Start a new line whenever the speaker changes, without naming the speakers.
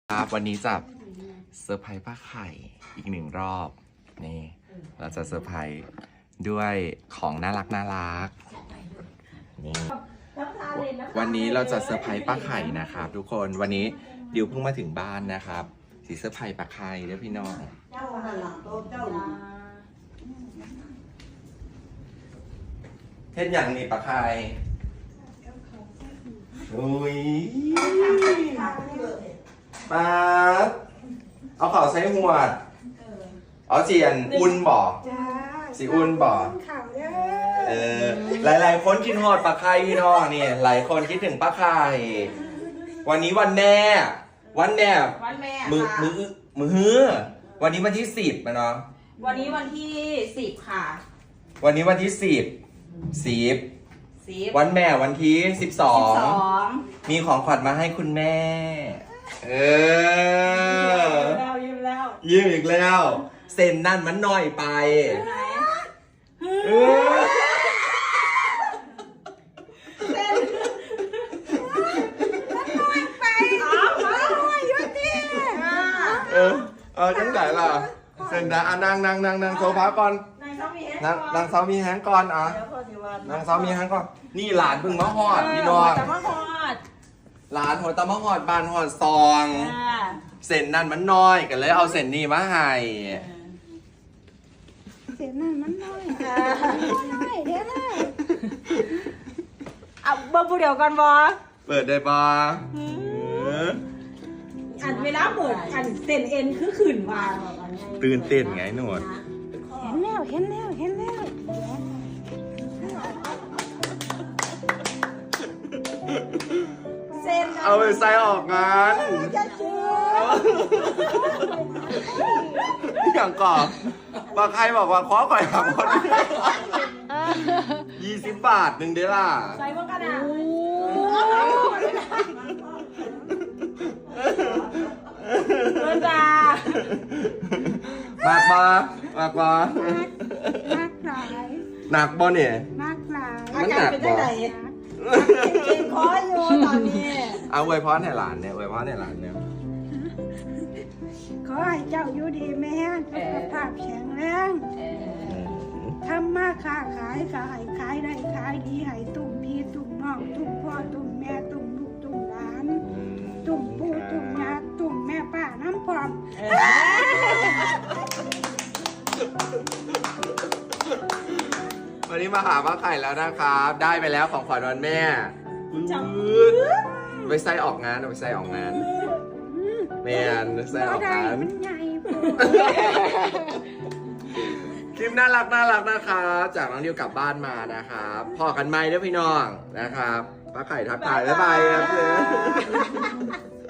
ครับวันนี้จะเซอร์ไพรส์ป้าไข่อีกหนึ่งรอบนี่เราจะเซอร์ไพรส์ด้วยของน่ารักนี่วันนี้เราจะเซอร์ไพรส์ป้าไข่นะครับทุกคนวันนี้ดิวเพิ่งมาถึงบ้านนะครับสีเซอร์ไพรส์ป้าไข่เด้อพี่น้องเฮ็ดอย่างนี้ป้าไข่อุ้ยป้าเอาข่าวใส่หัวดเอาเจียนอุ่นบ่สีอุ่นบ่หลายคนคิดฮอดป้าไข่พี่น้องนี่หลายคนคิดถึงป้าไข่วันนี้วันแม่มือฮื้อวันนี้วันที่10นะเนาะ
วันนี้วันที่10ค่ะ
วันนี้วันที่10วันแม่วันที่12มีของขวัญมาให้คุณแม่
ยืมแล้ว
ยืมอีกแล้วเซ็นนั่นมันน้อยไป
ไหนเซ็นมันน้อยไปน้อยอยู่ดิ
จังไหนล่ะเซ็นได้นั่งโซฟาก่อนนั่งเซามีแฮงก่อนนั่งเซามีแฮงก่อนนี่หลานเพิ่งมาฮอดพี่น้องหลานหัวตะมะฮอดบานฮอดซองเส้นนั่นมันน้อยกันเลยเอาเส้นนี้มาให้
เส้นนั่นมันน้อยเดี๋ยวนะ
เอาเบิ่งผู้เดียวกันบ่
เปิดได้ปะ
อันเวลาเปิดอันเส้นเอ็นคือขืนว่า
ตื่นเต้นไงหนวด
เห็นแล้ว
เส้น
เอาไปใส่ออกงานอย่างก่อนป้าใครบอกว่าขอก่อยหักคน20 บาทหนึ่งเด้ล่ะ
ใส่พวกกันอ่ะเมื่อจ้าม
ากหลายหนักบ่เนี่ย
มากหลาย
มันหนักบ่เก่งคออยู่ตอนนี้
เอาอวยพรให้หลานเนี่ย
ขอให้เจ้าอยู่ดีแม่สุขภาพแข็งแรงทำมาค้าขายก็ให้ขายได้ขายดีให้ตุ่มพี่ตุ่มน้องตุ่มพ่อตุ่มแม่ตุ่มลูกตุ่มหลานตุ่มปู่ตุ่มย่าตุ่มแม่ป้าน้ำพร้อม
วันนี้มาหาป้าไข่แล้วนะครับได้ไปแล้วของขวัญวันแม่ไปใส่ออกงานแม่ใส่ออกงานคลิปน่ารักนะครับจากน้องดิวกลับบ้านมานะครับพอกันไหมเด้อพี่น้องนะครับป้าไข่ทักทายบ๊ายบายครับ